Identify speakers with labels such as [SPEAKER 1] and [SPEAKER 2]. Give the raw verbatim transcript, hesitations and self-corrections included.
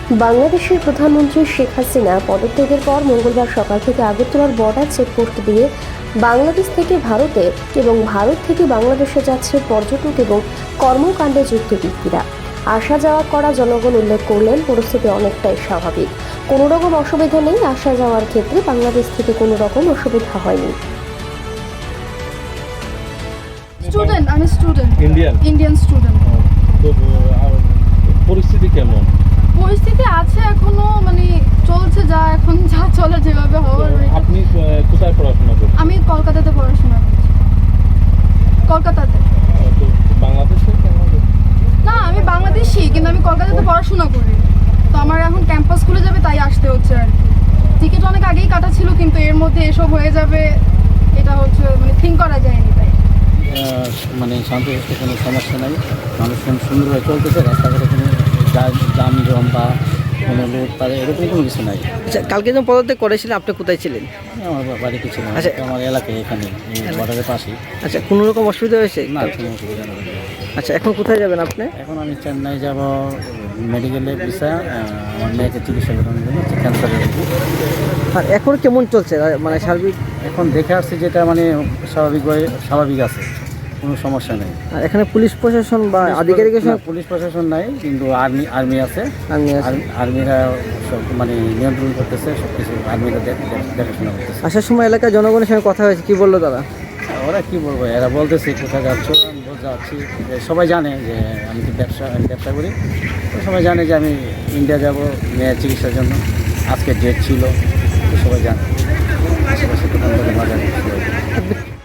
[SPEAKER 1] বাংলাদেশের প্রধানমন্ত্রী শেখ হাসিনা পদত্যাগের পর মঙ্গলবার সকাল থেকে আগরতলার বর্ডার চেকপোস্ট দিয়ে বাংলাদেশ থেকে ভারতে এবং ভারত থেকে বাংলাদেশে যাচ্ছে পর্যটক এবং কর্মকাণ্ডে যুক্ত ব্যক্তিরা। আসা যাওয়া করা জনগণ উল্লেখ করলেন পরিস্থিতি অনেকটাই স্বাভাবিক, কোনো রকম অসুবিধা নেই। আসা যাওয়ার ক্ষেত্রে বাংলাদেশ থেকে কোনো রকম অসুবিধা হয়নি।
[SPEAKER 2] স্টুডেন্ট আমি স্টুডেন্ট
[SPEAKER 3] ইন্ডিয়ান
[SPEAKER 2] ইন্ডিয়ান স্টুডেন্ট।
[SPEAKER 3] তো আর পরিস্থিতি কেমন?
[SPEAKER 2] পরিস্থিতি আছে এখনো, মানে চলছে যা এখন যা চলে যেভাবে হওয়ার।
[SPEAKER 3] আপনি আহ, কোথায় পড়াশোনা করছেন?
[SPEAKER 2] আমি কলকাতাতে পড়াশোনা করছি। কলকাতাতে
[SPEAKER 3] আহ, তো বাংলাদেশে কেমন?
[SPEAKER 2] না, আমি বাংলাদেশি, কিন্তু আমি কলকাতাতে পড়াশোনা করি। তো আমার এখন ক্যাম্পাস খুলে যাবে, তাই আসতে হচ্ছে আর কি। টিকিট অনেক আগেই কাটা ছিল, কিন্তু এর মধ্যে এসব হয়ে যাবে এটা হচ্ছে মানে থিঙ্ক করা যায়নি। তাই
[SPEAKER 4] মানে শান্তি কোনো সমস্যা নাই, মানুষজন সুন্দরভাবে চলতেছে, রাস্তাঘাটে কোনো জাম জম বা কোনো লোক তাদের এরকম কোনো কিছু নাই।
[SPEAKER 5] আচ্ছা, কালকে যখন পদত্যাগ করেছিলেন আপনি কোথায় ছিলেন?
[SPEAKER 4] আমার বাড়িতে ছিল,
[SPEAKER 5] আচ্ছা।
[SPEAKER 4] আমার এলাকায় এখানে বর্ডারের পাশেই।
[SPEAKER 5] আচ্ছা, কোনো রকম অসুবিধা হয়েছে?
[SPEAKER 4] না, কোনো অসুবিধা নেই।
[SPEAKER 5] আচ্ছা, এখন কোথায় যাবেন আপনি?
[SPEAKER 4] এখন আমি চেন্নাই যাব মেডিকেলে ভিসা, আমার মেয়েকে চিকিৎসা করানোর জন্য, ক্যান্সারের।
[SPEAKER 5] আর এখন কেমন চলছে মানে সার্বিক?
[SPEAKER 4] এখন দেখে আসছি যেটা মানে স্বাভাবিকভাবে স্বাভাবিক আছে, কোনো সমস্যা নেই।
[SPEAKER 5] আর এখানে পুলিশ প্রশাসন বা আধিকারিকের
[SPEAKER 4] না,
[SPEAKER 5] সঙ্গে
[SPEAKER 4] পুলিশ প্রশাসন নাই, কিন্তু আর্মি আর্মি আছে।
[SPEAKER 5] আর্মি আছে।
[SPEAKER 4] আর্মি- আর্মিরা সব মানে নিয়ন্ত্রণ করতেছে, সব কিছু আর্মিরা দেখ- দেখ- দেখাশোনা করতেছে।
[SPEAKER 5] আসার সময় এলাকার জনগণের সঙ্গে কথা হয়েছে, কি বললো তারা?
[SPEAKER 4] ওরা কি বলবো, এরা বলতেছে কোথায় যাচ্ছ, আমি বলতে যাচ্ছি। যে সবাই জানে যে আমি তো ব্যবসা আমি ব্যবসা করি, তো সবাই জানে যে আমি ইন্ডিয়া যাব মেয়ের চিকিৎসার জন্য। আজকে ডেট ছিল, তো সবাই জানে। আশেপাশে দোকান বাজার